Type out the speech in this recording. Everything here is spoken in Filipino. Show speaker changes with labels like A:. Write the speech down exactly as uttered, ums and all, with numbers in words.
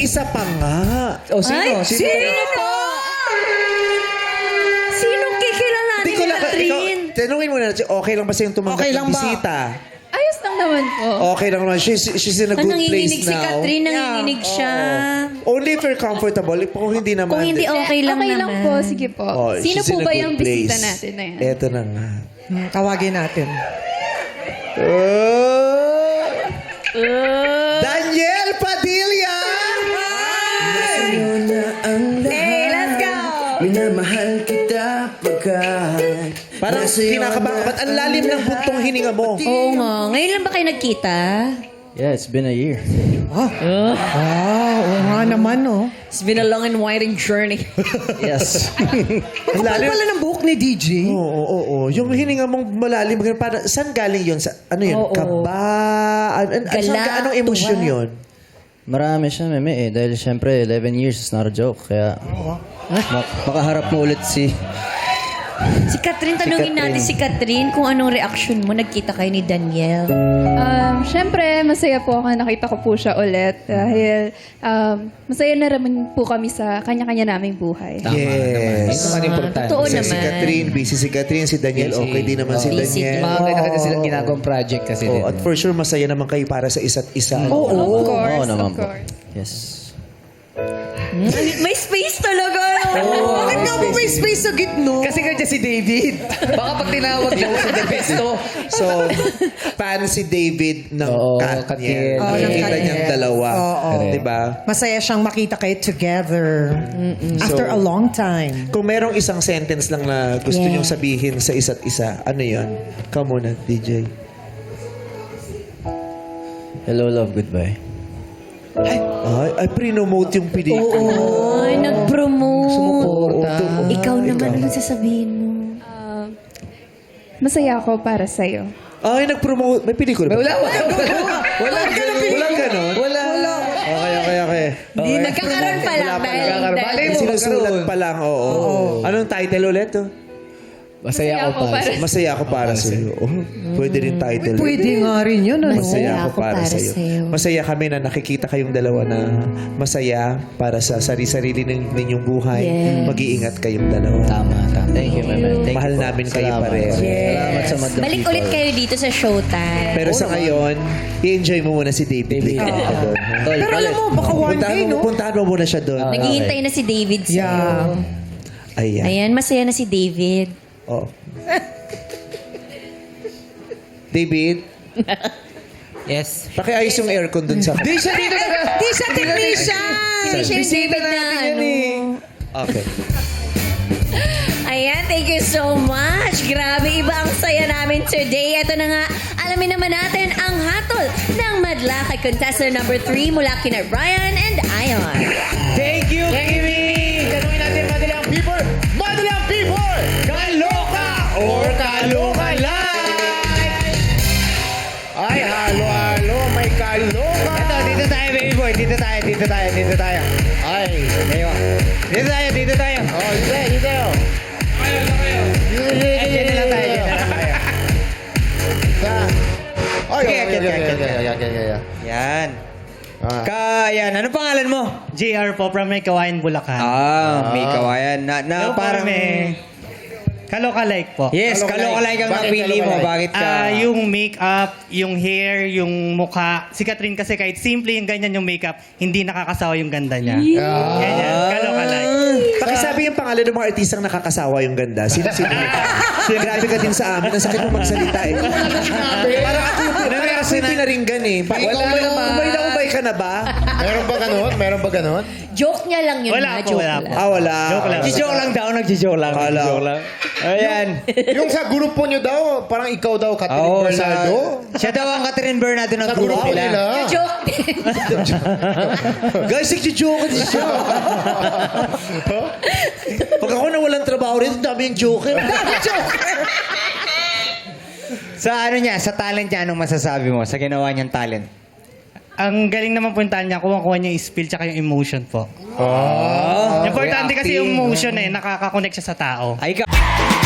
A: isa pa nga.
B: O, sino?
C: Ay,
B: Sino?
C: sino po? Sinong kikilalanin
A: Hindi
C: ni
A: ko lang, ikaw,
C: Catherine?
A: tanungin mo na, okay lang ba sa'yong tumanggap
B: Okay lang
A: ng
B: ba?
A: bisita?
D: Ayos lang naman po.
A: Okay lang naman. She's, she's in a
C: Ah,
A: good
C: nanginginig
A: place
C: si
A: now.
C: Catherine, nanginginig siya.
A: Only if you're comfortable. Kung hindi naman.
C: Kung hindi okay lang
D: okay
C: naman.
D: lang po, sige po.
A: Oh,
D: Sino
A: she's
D: po
A: in a
D: ba
A: good
D: yung bisita
A: place.
D: natin na yan?
A: Eto na nga.
B: Hmm, tawagin natin.
A: Oh! Daniel Padilla!
E: Sa'yo na ang lahat.
C: Hey, let's go!
E: Minamahal kita pagkat
A: Parang kinakabahan. Ba't ang lalim ng buntong hininga mo?
C: Oo nga. Ngayon lang ba kayo nagkita?
E: Yeah, it's been a year.
B: Ah, oo nga naman, oh.
C: It's been a long and winding journey.
E: Yes.
B: Ang kapal pala ng buhok ni D J.
A: Oo, oo, oo. Yung hininga mong malalim, para, saan galing yun? Sa, ano yun?
C: Oo.
A: Kaba? An, an,
C: Gala,
A: saan ka- anong emosyon
C: tuwa.
A: yun?
E: Marami siya, meme eh. Dahil syempre, eleven years is not a joke. Kaya, mak- makaharap mo ulit si...
C: Si Catherine, tanungin
E: Catherine.
C: natin si Catherine kung anong reaction mo. Nagkita kayo ni Daniel.
D: Um, Siyempre, masaya po ako nakita ko po siya ulit. Dahil um, masaya na naman po kami sa kanya-kanya naming buhay.
A: Yes.
B: Ito ang importante.
C: Totoo
A: Kasi
C: naman.
A: si Catherine, busy si Catherine, si Daniel,
B: Busy.
A: okay din naman si
C: Busy
A: Daniel.
C: din.
B: Mga ganito sila ginagawang project kasi
A: Oh,
B: din.
A: at for sure, masaya naman kayo para sa isa't isa.
B: Oo.
D: Of course,
E: Oo naman
D: of
E: po.
D: course.
E: Yes.
C: May space talaga.
B: Bakit nga po may space sa gitno? Kasi kanya si David. Baka pag tinawag niyo sa the best, oh.
A: So, fan si David ng
E: Oo,
A: cat
E: cat
A: niya.
E: niya.
B: Oo, ng
A: Nakikita
B: cat
A: niyang
B: niya.
A: dalawa.
B: Oo.
A: Diba?
B: Masaya siyang makita kayo together. After
A: So,
B: a long time.
A: Kung merong isang sentence lang na gusto
C: Yeah.
A: niyong sabihin sa isa't isa, ano yun? Ikaw muna, D J.
E: Hello, love, goodbye.
A: Ay, ay pre-nomote yung pelikula.
C: Ay, nag-promote.
B: Sumuporta.
C: Ikaw naman, ano sasabihin mo?
D: Um, masaya ako para sa'yo.
A: Ay, nag-promote. May pelikula ba?
B: Wala, wala, wala. Wala,
A: Walang ganon?
B: Wala. Wala.
A: Okay, okay, okay.
C: Hindi, nagkakaroon pa lang.
A: Wala pa
C: dahil-
A: lang.
B: Malay
C: dahil-
B: mo.
A: Sinusulat pa lang, oo. Anong title ulit? Oh?
B: Masaya ako pa.
A: Masaya ako para sa iyo. Oh, pwede rin title.
B: Pwede nga rin yun, ano?
A: Masaya ako para, sa iyo. Masaya kami na nakikita kayong dalawa na masaya para sa sarili-sarili ng ninyong buhay.
C: Yes.
A: Mag-iingat kayong dalawa.
E: Tama, tama. Thank you, meme. Thank
A: Mahal
E: you po.
A: namin kayo
E: Salamat.
A: pareho.
E: Salamat sa madlang
C: Balik
E: people.
C: ulit kayo dito sa Showtime.
A: Pero sa ngayon, i-enjoy mo muna si David.
E: David.
A: Ligaw ka doon, ha?
E: Tol,
B: Pero alam
E: balik.
B: mo, baka one
A: Puntahan
B: day,
A: mo,
B: no?
A: puntahan mo muna siya doon.
C: Naghihintay na si David sa'yo.
B: Yeah.
A: Ayan.
C: Ayan, masaya na si David.
A: Oh. David,
B: Yes.
A: pakiayos yung aircon doon sa...
B: Di siya dito. Di siya technician.
C: Hindi siya yung David na ano.
A: Okay.
C: Ayan, thank you so much. Grabe, iba ang saya namin today. Ito na nga, alamin naman natin ang hatol ng madla kay contestant number three mula kina Brian and Ion.
B: Thank you, Kimi. Tanungin natin madalang people. Madalang people! Kaloka or kaloka lang? Ay, halo, halo. May kaloka. Ito, dito tayo, baby boy. Dito tayo, dito tayo, dito tayo. Ay, ngayon. Dito tayo, dito tayo. Oh, dito tayo, dito tayo. Dito, dito, dito, dito lang tayo. Dito lang tayo. Sa... Okay, okay, okay, okay, okay, okay, okay.
F: Yan.
E: Ah.
F: Ka, yan. Ano pangalan mo?
G: J R po from May Kawayan, Bulacan.
F: Ah, may kawayan. Na, na
G: Hello po,
F: parang...
G: may Kaloka-like po.
F: Yes, kalokalike ang
E: Bakit
F: napili mo.
E: kalokalike?
F: Bakit ka?
G: Ah, yung makeup, yung hair, yung mukha. Si Catherine kasi kahit simple yung ganyan yung makeup, hindi nakakasawa yung ganda niya. Ganyan, kaloka-like.
A: Pakisabi yung pangalan ng mga artistang nakakasawa yung ganda. Sino, sino? Grabe ka din sa amin. Ang sakit mo magsalita eh. Parang ako yung, parang ako yung pinaringgan eh. Pa-
B: Wala
A: umay,
B: naman.
A: umay na umay ka na ba?
E: Meron ba ganun? Meron ba ganun?
C: Joke niya lang yun
G: Wala
C: na,
G: po,
C: joke
G: wala
C: lang.
G: po.
A: Ah, wala.
G: Joke lang.
F: Nagjijoke lang daw, nagjijoke lang.
A: Kala.
F: Nagjijoke lang. Ayan.
E: Yung sa grupo nyo daw, parang ikaw daw, Catherine
F: Oo,
E: Bernardo.
F: sa... Siya daw ang Catherine Bernardo ng
E: Sa
F: grupo
E: grupo
F: nila.
E: nila.
C: Joke din.
A: Guys, nagjijoke din siya. Pag ako nawalan trabaho rin, dami yung joker.
F: Sa ano niya, sa talent niya, anong masasabi mo? Sa ginawa niyang talent?
G: Ang galing naman puntahan niya, kuha-kuha niya yung spill tsaka yung emotion po.
F: Oh,
G: Importante kasi
F: acting.
G: yung emotion eh, nakaka-connect siya sa tao.
F: Ay, ka...